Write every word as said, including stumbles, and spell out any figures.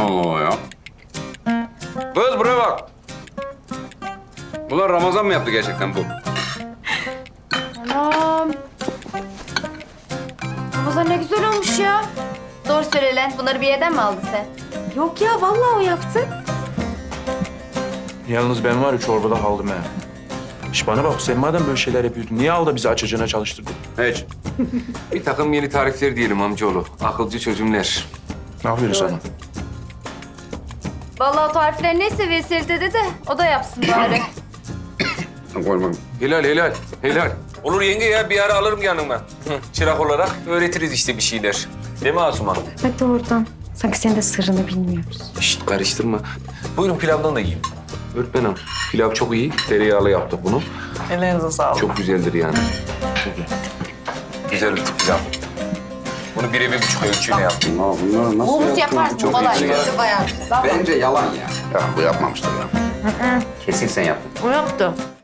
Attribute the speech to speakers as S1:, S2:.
S1: Allah ya. Kız buraya bak. Bunlar Ramazan mı yaptı gerçekten bu?
S2: Anam. Ramazan ne güzel olmuş ya.
S3: Doğru söyle lan. Bunları bir yerden mi aldın sen?
S2: Yok ya vallahi o yaptı.
S4: Yalnız ben var ya çorbada kaldım ha. İş bana bak, sen madem böyle şeyler yapıyordun, niye al da bizi açacağına çalıştırdın?
S1: Hiç.
S5: Bir takım yeni tarifler diyelim amcaoğlu. Akılcı çözümler.
S4: Ne yapıyorsun sana?
S3: Vallahi o tarifler neyse Veysel dede de o da yapsın bari.
S1: Koymam.
S5: Helal helal helal. Olur yenge ya, bir ara alırım yanıma. Hı, çırak olarak öğretiriz işte bir şeyler. Değil mi Asuman?
S2: Hadi oradan. Sanki senin de sırrını bilmiyoruz.
S5: Şşt karıştırma. Buyurun pilavdan da yiyin. Öğretmenim pilav çok iyi. Tereyağlı yaptık bunu.
S6: Ellerinize sağlık.
S5: Çok güzeldir yani. Güzel bir pilav. Bunu bire bir buçuk ölçüyle yaptım.
S1: Ya bunları nasıl
S3: Humus
S1: yaptın?
S3: yaparsın
S1: Çok
S3: kolay.
S1: iyi.
S3: Gözü bayağı.
S1: Bence yalan ya. Ya bu yapmamıştır ya. Kesin sen yaptın.
S2: O yaptı.